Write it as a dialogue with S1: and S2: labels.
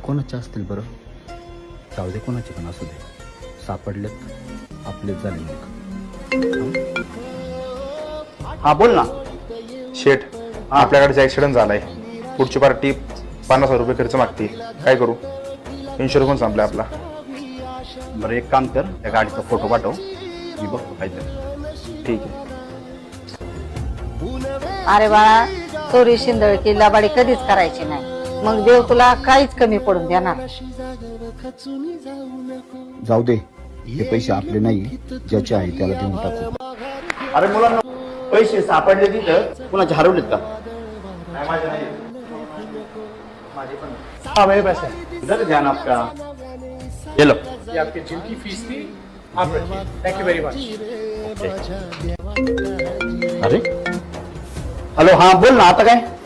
S1: कोणाचे असतील बरं? जाऊ दे, कोणाचे पण असू दे, सापडलेत आपलेच झाले मग.
S2: हा बोल ना.
S3: शेठ, आपल्याकडे ऍक्सिडेंट झालाय. पुढची पार्टी 50,000 रुपये खर्च मागते. काय करू? इन्शुरन्स पण संपलाय आपला.
S2: बरं एक काम कर, त्या गाडीचा फोटो पाठव, मी बघतो काहीतरी.
S3: ठीक आहे.
S4: अरे बाळा, चोरी शिंदळकी लबाडी कधीच करायची नाही, मग देव तुला काहीच कमी पडून देणार.
S1: जाऊ दे, हे पैसे आपले नाही, ज्याचे आहे त्याला देऊन टाकू.
S2: अरे मुलांना पैसे सापडले तिथं, कुणाचे हरवलेत का?
S5: हाँ मेरे पास है,
S2: इधर ध्यान आपका. ये लो.
S5: ये आपकी जिनकी फीस थी, आप रखिए. Thank you very much.
S2: अरे हॅलो, हा बोल ना, आता काय?